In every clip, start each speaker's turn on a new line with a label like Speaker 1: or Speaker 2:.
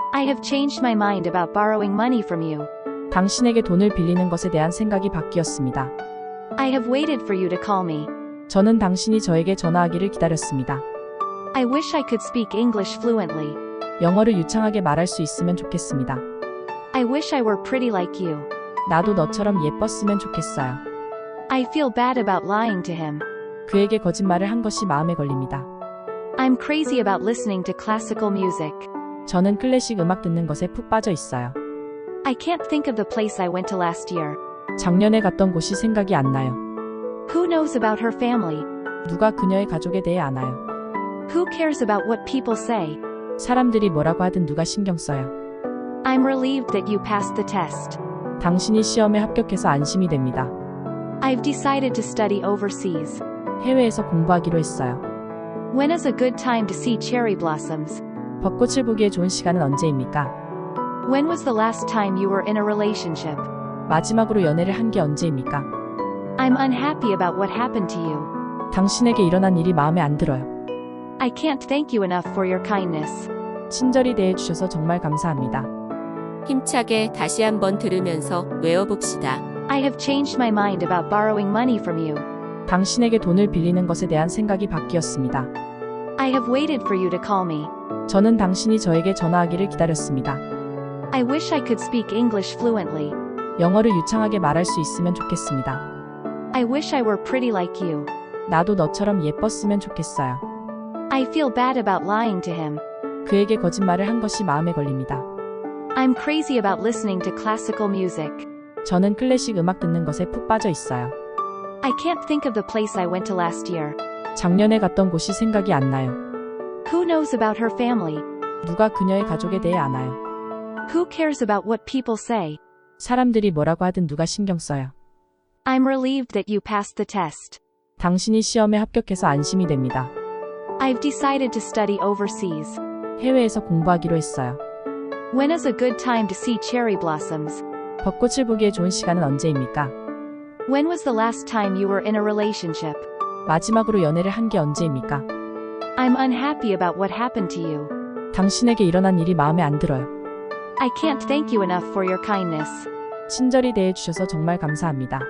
Speaker 1: I have changed my mind about borrowing money from you.
Speaker 2: 당신에게 돈을 빌리는 것에 대한 생각이 바뀌었습니다.
Speaker 1: I have waited for you to call me.
Speaker 2: 저는 당신이 저에게 전화하기를 기다렸습니다.
Speaker 1: I wish I could speak English fluently.
Speaker 2: 영어를 유창하게 말할 수 있으면 좋겠습니다.
Speaker 1: I wish I were pretty like you.
Speaker 2: 나도 너처럼 예뻤으면 좋겠어요.
Speaker 1: I feel bad about lying to him.
Speaker 2: 그에게 거짓말을 한 것이 마음에 걸립니다.
Speaker 1: I'm crazy about listening to classical music.
Speaker 2: 저는 클래식 음악 듣는 것에 푹 빠져 있어요.
Speaker 1: I can't think of the place I went to last year.
Speaker 2: 작년에 갔던 곳이 생각이 안 나요.
Speaker 1: Who knows about her family?
Speaker 2: 누가 그녀의 가족에 대해 아나요?
Speaker 1: Who cares about what people say?
Speaker 2: 사람들이 뭐라고 하든 누가 신경 써요.
Speaker 1: I'm relieved that you passed the test.
Speaker 2: 당신이 시험에 합격해서 안심이 됩니다.
Speaker 1: I've decided to study overseas.
Speaker 2: 해외에서 공부하기로 했어요.
Speaker 1: When is a good time to see cherry blossoms?
Speaker 2: 벚꽃을 보기에 좋은 시간은 언제입니까?
Speaker 1: When was the last time you were in a relationship?
Speaker 2: 마지막으로 연애를 한 게 언제입니까?
Speaker 1: I'm unhappy about what happened to you.
Speaker 2: 당신에게 일어난 일이 마음에 안 들어요.
Speaker 1: I can't thank you enough for your kindness.
Speaker 2: 친절히 대해주셔서 정말 감사합니다.
Speaker 3: 힘차게 다시 한번 들으면서 외워봅시다.
Speaker 1: I have changed my mind about borrowing money from you.
Speaker 2: 당신에게 돈을 빌리는 것에 대한 생각이 바뀌었습니다.
Speaker 1: I have waited for you to call me.
Speaker 2: 저는 당신이 저에게 전화하기를 기다렸습니다.
Speaker 1: I wish I could speak English fluently.
Speaker 2: 영어를 유창하게 말할 수 있으면 좋겠습니다.
Speaker 1: I wish I were pretty like you.
Speaker 2: 나도 너처럼 예뻤으면 좋겠어요.
Speaker 1: I feel bad about lying to him.
Speaker 2: 그에게 거짓말을 한 것이 마음에 걸립니다.
Speaker 1: I'm crazy about listening to classical music.
Speaker 2: 저는 클래식 음악 듣는 것에 푹 빠져 있어요.
Speaker 1: I can't think of the place I went to last year.
Speaker 2: 작년에 갔던 곳이 생각이 안 나요.
Speaker 1: Who knows about her family?
Speaker 2: 누가 그녀의 가족에 대해 아나요?
Speaker 1: Who cares about what people say?
Speaker 2: 사람들이 뭐라고 하든 누가 신경 써요.
Speaker 1: I'm relieved that you passed the test.
Speaker 2: 당신이 시험에 합격해서 안심이 됩니다.
Speaker 1: I've decided to study overseas.
Speaker 2: 해외에서 공부하기로 했어요.
Speaker 1: When is a good time to see cherry blossoms?
Speaker 2: 벚꽃을 보기에 좋은 시간은 언제입니까?
Speaker 1: When was the last time you were in a relationship?
Speaker 2: 마지막으로 연애를 한 게 언제입니까?
Speaker 1: I'm unhappy about what happened to you.
Speaker 2: 당신에게 일어난 일이 마음에 안 들어요.
Speaker 1: I can't thank you enough for your kindness.
Speaker 2: 친절히 대해주셔서 정말 감사합니다.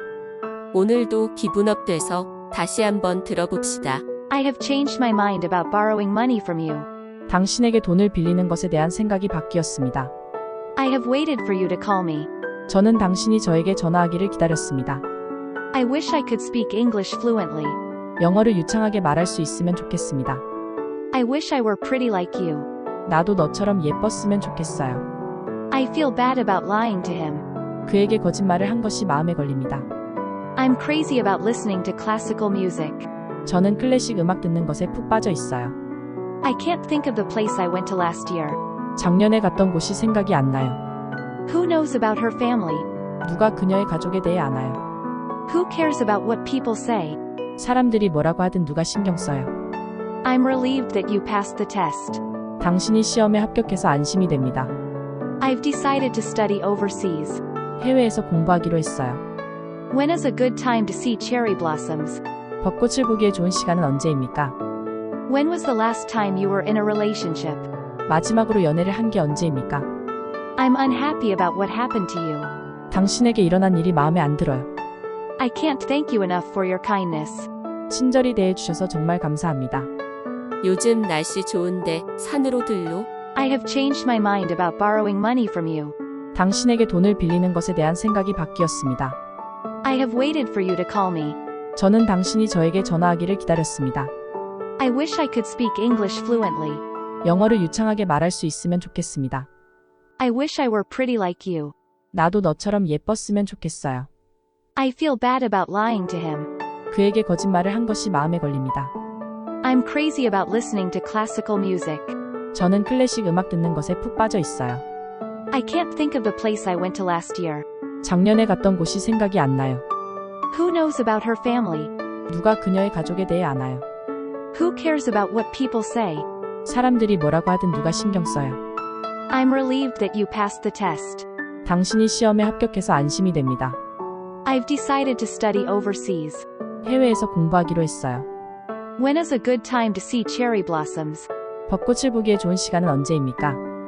Speaker 3: 오늘도 기분업 돼서 다시 한번 들어봅시다.
Speaker 1: I have changed my mind about borrowing money from you.
Speaker 2: 당신에게 돈을 빌리는 것에 대한 생각이 바뀌었습니다.
Speaker 1: I have waited for you to call me.
Speaker 2: 저는 당신이 저에게 전화하기를 기다렸습니다.
Speaker 1: I wish I could speak English fluently.
Speaker 2: 영어를 유창하게 말할 수 있으면 좋겠습니다.
Speaker 1: I wish I were pretty like you.
Speaker 2: 나도 너처럼 예뻤으면 좋겠어요.
Speaker 1: I feel bad about lying to him.
Speaker 2: 그에게 거짓말을 한 것이 마음에 걸립니다.
Speaker 1: I'm crazy about listening to classical music.
Speaker 2: 저는 클래식 음악 듣는 것에 푹 빠져 있어요.
Speaker 1: I can't think of the place I went to last year.
Speaker 2: 작년에 갔던 곳이 생각이 안 나요.
Speaker 1: Who knows about her family?
Speaker 2: 누가 그녀의 가족에 대해 아나요?
Speaker 1: Who cares about what people say?
Speaker 2: 사람들이 뭐라고 하든 누가 신경 써요.
Speaker 1: I'm relieved that you passed the test.
Speaker 2: 당신이 시험에 합격해서 안심이 됩니다.
Speaker 1: I've decided to study overseas.
Speaker 2: 해외에서 공부하기로 했어요.
Speaker 1: When is a good time to see cherry blossoms?
Speaker 2: 벚꽃을 보기에 좋은 시간은 언제입니까?
Speaker 1: When was the last time you were in a relationship?
Speaker 2: 마지막으로 연애를 한 게 언제입니까?
Speaker 1: I'm unhappy about what happened to you.
Speaker 2: 당신에게 일어난 일이 마음에 안 들어요.
Speaker 1: I can't thank you enough for your kindness.
Speaker 2: 친절히 대해주셔서 정말 감사합니다.
Speaker 3: 요즘 날씨 좋은데 산으로 들로?
Speaker 1: I have changed my mind about borrowing money from you.
Speaker 2: 당신에게 돈을 빌리는 것에 대한 생각이 바뀌었습니다.
Speaker 1: I have waited for you to call me.
Speaker 2: 저는 당신이 저에게 전화하기를 기다렸습니다.
Speaker 1: I wish I could speak English fluently.
Speaker 2: 영어를 유창하게 말할 수 있으면 좋겠습니다.
Speaker 1: I wish I were pretty like you.
Speaker 2: 나도 너처럼 예뻤으면 좋겠어요.
Speaker 1: I feel bad about lying to him.
Speaker 2: 그에게 거짓말을 한 것이 마음에 걸립니다.
Speaker 1: I'm crazy about listening to classical music.
Speaker 2: 저는 클래식 음악 듣는 것에 푹 빠져 있어요.
Speaker 1: I can't think of the place I went to last year.
Speaker 2: 작년에 갔던 곳이 생각이 안 나요.
Speaker 1: Who knows about her family?
Speaker 2: 누가 그녀의 가족에 대해 아나요?
Speaker 1: Who cares about what people say?
Speaker 2: 사람들이 뭐라고 하든 누가 신경 써요.
Speaker 1: I'm relieved that you passed the test.
Speaker 2: 당신이 시험에 합격해서 안심이 됩니다.
Speaker 1: I've decided to study overseas.
Speaker 2: 해외에서 공부하기로 했어요.
Speaker 1: When is a good time to see cherry blossoms?
Speaker 2: 벚꽃을 보기에 좋은 시간은 언제입니까?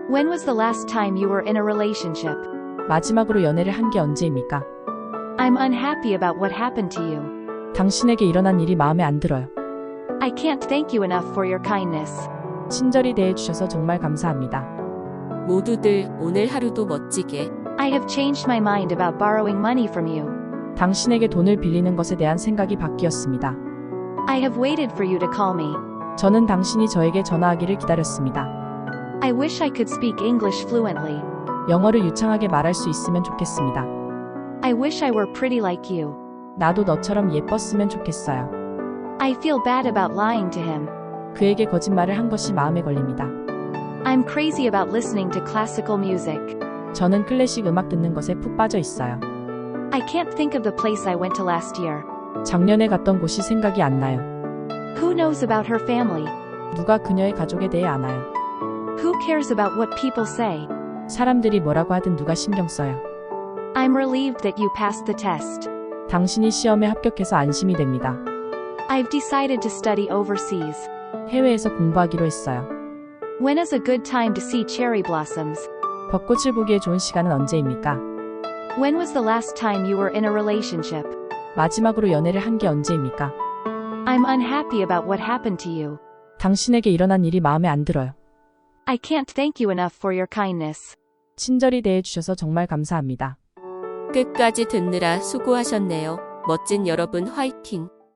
Speaker 1: When was the last time you were in a relationship?
Speaker 2: 마지막으로 연애를 한 게 언제입니까?
Speaker 1: I'm unhappy about what happened to you.
Speaker 2: 당신에게 일어난 일이 마음에 안 들어요.
Speaker 1: I can't thank you enough for your kindness.
Speaker 2: 친절히 대해주셔서 정말 감사합니다.
Speaker 3: 모두들 오늘 하루도 멋지게.
Speaker 1: I have changed my mind about borrowing money from you.
Speaker 2: 당신에게 돈을 빌리는 것에 대한 생각이 바뀌었습니다.
Speaker 1: I have waited for you to call me.
Speaker 2: 저는 당신이 저에게 전화하기를 기다렸습니다.
Speaker 1: I wish I could speak English fluently.
Speaker 2: 영어를 유창하게 말할 수 있으면 좋겠습니다.
Speaker 1: I wish I were pretty like you.
Speaker 2: 나도 너처럼 예뻤으면 좋겠어요.
Speaker 1: I feel bad about lying to him.
Speaker 2: 그에게 거짓말을 한 것이 마음에 걸립니다.
Speaker 1: I'm crazy about listening to classical music.
Speaker 2: 저는 클래식 음악 듣는 것에 푹 빠져 있어요.
Speaker 1: I can't think of the place I went to last year.
Speaker 2: 작년에 갔던 곳이 생각이 안 나요.
Speaker 1: Who knows about her family?
Speaker 2: 누가 그녀의 가족에 대해 아나요?
Speaker 1: Who cares about what people say?
Speaker 2: 사람들이 뭐라고 하든 누가 신경 써요.
Speaker 1: I'm relieved that you passed the test.
Speaker 2: 당신이 시험에 합격해서 안심이 됩니다.
Speaker 1: I've decided to study overseas.
Speaker 2: 해외에서 공부하기로 했어요.
Speaker 1: When is a good time to see cherry blossoms?
Speaker 2: 벚꽃을 보기에 좋은 시간은 언제입니까?
Speaker 1: When was the last time you were in a relationship?
Speaker 2: 마지막으로 연애를 한 게 언제입니까?
Speaker 1: I'm unhappy about what happened to you.
Speaker 2: 당신에게 일어난 일이 마음에 안 들어요.
Speaker 1: I can't thank you enough for your kindness.
Speaker 2: 친절히 대해주셔서 정말 감사합니다.
Speaker 3: 끝까지 듣느라 수고하셨네요. 멋진 여러분 화이팅!